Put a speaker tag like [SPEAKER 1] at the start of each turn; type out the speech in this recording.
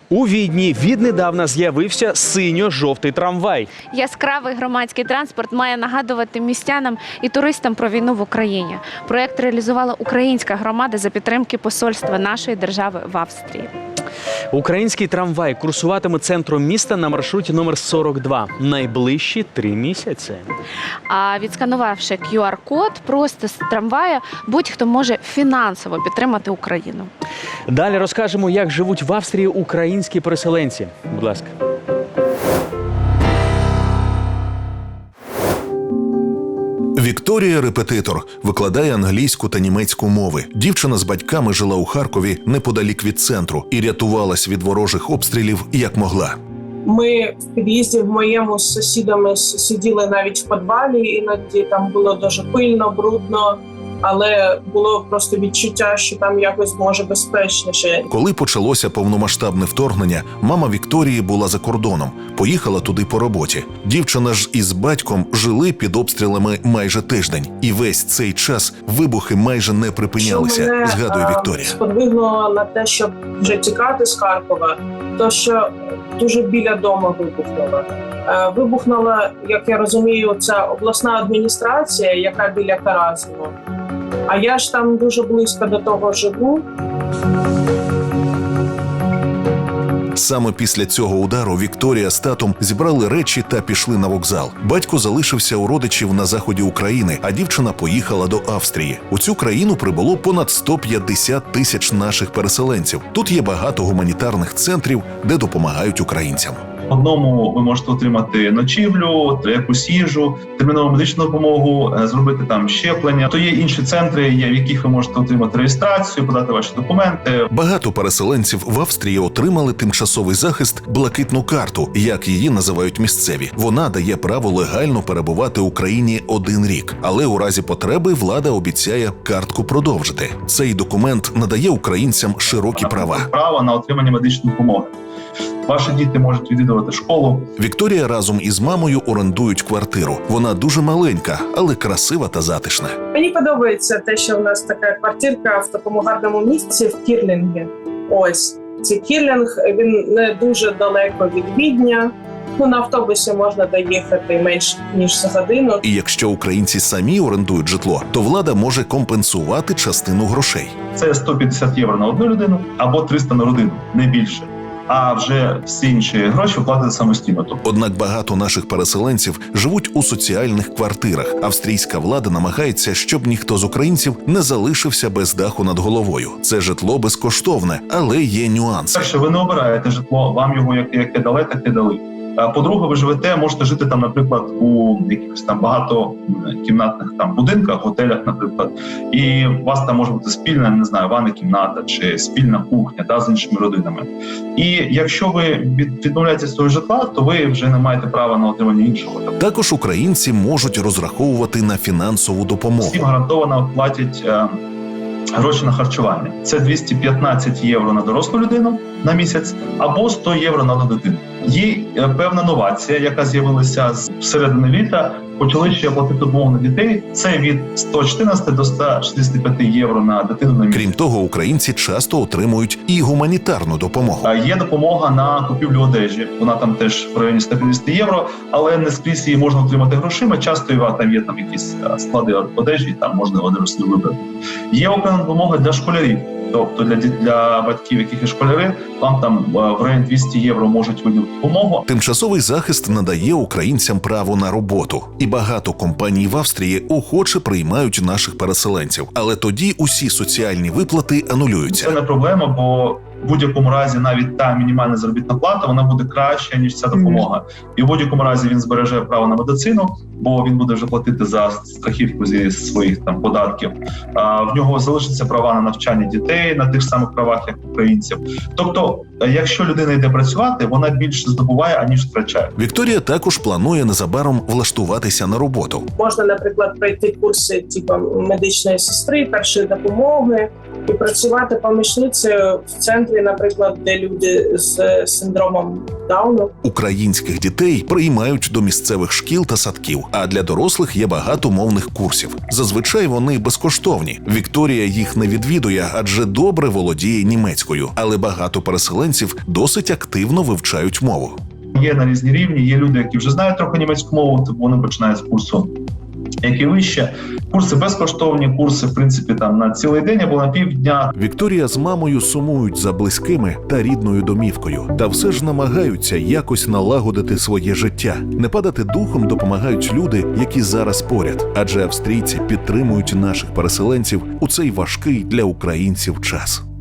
[SPEAKER 1] У Відні віднедавна з'явився синьо-жовтий трамвай.
[SPEAKER 2] Яскравий громадський транспорт має нагадувати містянам і туристам про війну в Україні. Проєкт реалізувала українська громада за підтримки посольства нашої держави в Австрії.
[SPEAKER 1] Український трамвай курсуватиме центром міста на маршруті номер 42 найближчі 3 місяці.
[SPEAKER 2] А відсканувавши QR-код просто з трамвая, будь-хто може фінансово підтримати Україну.
[SPEAKER 1] Далі розкажемо, як живуть в Австрії українські переселенці. Будь ласка.
[SPEAKER 3] Вікторія – репетитор, викладає англійську та німецьку мови. Дівчина з батьками жила у Харкові неподалік від центру і рятувалась від ворожих обстрілів як могла.
[SPEAKER 4] Ми в під'їзді в моєму з сусідами сиділи навіть в підвалі, іноді там було дуже пильно, брудно, але було просто відчуття, що там якось може безпечніше.
[SPEAKER 3] Коли почалося повномасштабне вторгнення, мама Вікторії була за кордоном, поїхала туди по роботі. Дівчина ж із батьком жили під обстрілами майже тиждень. І весь цей час вибухи майже не припинялися, згадує Вікторія.
[SPEAKER 4] Сподвигнуло на те, щоб вже тікати з Харкова, то що дуже біля дому вибухнуло. Вибухнула, як я розумію, ця обласна адміністрація, яка біля Каразіну. А я ж там дуже близько до того живу.
[SPEAKER 3] Саме після цього удару Вікторія з татом зібрали речі та пішли на вокзал. Батько залишився у родичів на заході України, а дівчина поїхала до Австрії. У цю країну прибуло понад 150 тисяч наших переселенців. Тут є багато гуманітарних центрів, де допомагають українцям.
[SPEAKER 5] В одному ви можете отримати ночівлю, якусь їжу, термінову медичну допомогу, зробити там щеплення. То є інші центри, в яких ви можете отримати реєстрацію, подати ваші документи.
[SPEAKER 3] Багато переселенців в Австрії отримали тимчасовий захист «блакитну карту», як її називають місцеві. Вона дає право легально перебувати в Україні 1 рік. Але у разі потреби влада обіцяє картку продовжити. Цей документ надає українцям широкі права.
[SPEAKER 5] Право на отримання медичної допомоги. Ваші діти можуть відвідувати школу.
[SPEAKER 3] Вікторія разом із мамою орендують квартиру. Вона дуже маленька, але красива та затишна.
[SPEAKER 4] Мені подобається те, що в нас така квартирка в такому гарному місці в Кірлінгі. Ось. Цей Кірлінг, він не дуже далеко від Відня. На автобусі можна доїхати менш ніж за годину.
[SPEAKER 3] І якщо українці самі орендують житло, то влада може компенсувати частину грошей.
[SPEAKER 5] Це 150 євро на одну людину або 300 на родину, не більше. А вже всі інші гроші платити самостійно.
[SPEAKER 3] Однак багато наших переселенців живуть у соціальних квартирах. Австрійська влада намагається, щоб ніхто з українців не залишився без даху над головою. Це житло безкоштовне, але є нюанси.
[SPEAKER 5] Якщо ви не обираєте житло, вам його яке дали, таке дали. По-друге, ви живете, можете жити там, наприклад, у якихось там багатокімнатних там будинках, готелях, наприклад, і у вас там може бути спільна, не знаю, ванна кімната чи спільна кухня з іншими родинами. І якщо ви відмовляєтеся з свого житла, то ви вже не маєте права на отримання іншого.
[SPEAKER 3] Також українці можуть розраховувати на фінансову допомогу.
[SPEAKER 5] Всім гарантовано платять гроші на харчування. Це 215 євро на дорослу людину на місяць або 100 євро на одну дитину. Є певна новація, яка з'явилася з середини літа. Почали ще платити допомогу на дітей. Це від 114 до 165 євро на дитину на місяць.
[SPEAKER 3] Крім того, українці часто отримують і гуманітарну допомогу.
[SPEAKER 5] Є допомога на купівлю одежі. Вона там теж в районі 150 євро, але не скрізь її можна отримати грошима. Часто там є якісь склади одежі, там можна одежу собі вибрати. Є окрема допомога для школярів. Тобто для батьків, яких є школяри, вам там в районі 200 євро можуть виділити допомогу.
[SPEAKER 3] Тимчасовий захист надає українцям право на роботу. І багато компаній в Австрії охоче приймають наших переселенців. Але тоді усі соціальні виплати анулюються.
[SPEAKER 5] Це не проблема, бо в будь-якому разі навіть та мінімальна заробітна плата, вона буде краща, ніж ця допомога. І в будь-якому разі він збереже право на медицину, бо він буде вже платити за страхівку зі своїх там податків. В нього залишаться права на навчання дітей на тих самих правах, як українців. Тобто, якщо людина йде працювати, вона більше здобуває, аніж втрачає.
[SPEAKER 3] Вікторія також планує незабаром влаштуватися на роботу.
[SPEAKER 4] Можна, наприклад, пройти курси медичної сестри, першої допомоги, І працювати помічницею в центрі, наприклад, де люди з синдромом Дауну.
[SPEAKER 3] Українських дітей приймають до місцевих шкіл та садків, а для дорослих є багато мовних курсів. Зазвичай вони безкоштовні. Вікторія їх не відвідує, адже добре володіє німецькою, але багато переселенців досить активно вивчають мову.
[SPEAKER 5] Є на різні рівні, є люди, які вже знають трохи німецьку мову, то вони починають з курсу, які вище. Курси безкоштовні, курси, в принципі, там на цілий день або на півдня.
[SPEAKER 3] Вікторія з мамою сумують за близькими та рідною домівкою, та все ж намагаються якось налагодити своє життя. Не падати духом допомагають люди, які зараз поряд, адже австрійці підтримують наших переселенців у цей важкий для українців час.